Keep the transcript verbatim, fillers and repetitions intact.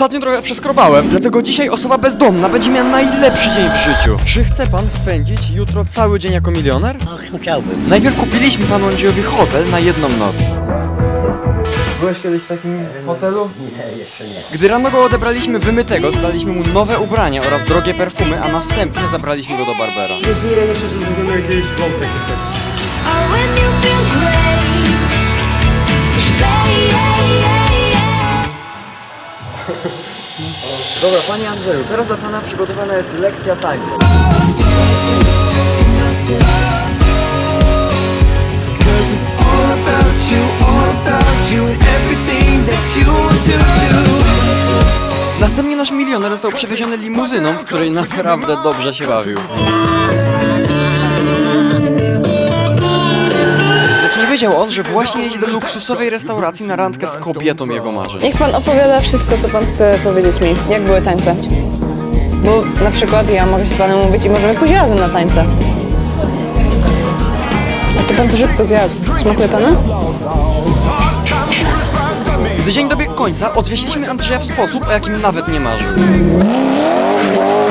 Ostatnio trochę przeskrobałem, dlatego dzisiaj osoba bezdomna będzie miała najlepszy dzień w życiu. Czy chce pan spędzić jutro cały dzień jako milioner? Ach, chciałbym. Najpierw kupiliśmy panu Andrzejowi hotel na jedną noc. Byłeś kiedyś w takim hotelu? Nie, jeszcze nie. Gdy rano go odebraliśmy wymytego, dodaliśmy mu nowe ubrania oraz drogie perfumy, a następnie zabraliśmy go do barbera. Dopiero myślę, że zrobimy jakieś wątek. Or when you feel great, just play, yeah, yeah, yeah. Dobra, panie Andrzeju, teraz dla pana przygotowana jest lekcja tańca. Następnie nasz milioner został przewieziony limuzyną, w której naprawdę dobrze się bawił. Lecz nie wiedział on, że właśnie jedzie do luksusowej restauracji na randkę z kobietą jego marzeń. Niech pan opowiada wszystko, co pan chce powiedzieć mi. Jak były tańce? Bo na przykład ja mogę się z panem mówić i możemy pójść razem na tańce. A to pan to szybko zjadł. Smakuje panu? Gdy dzień dobiegł końca, odwieźliśmy Andrzeja w sposób, o jakim nawet nie marzył.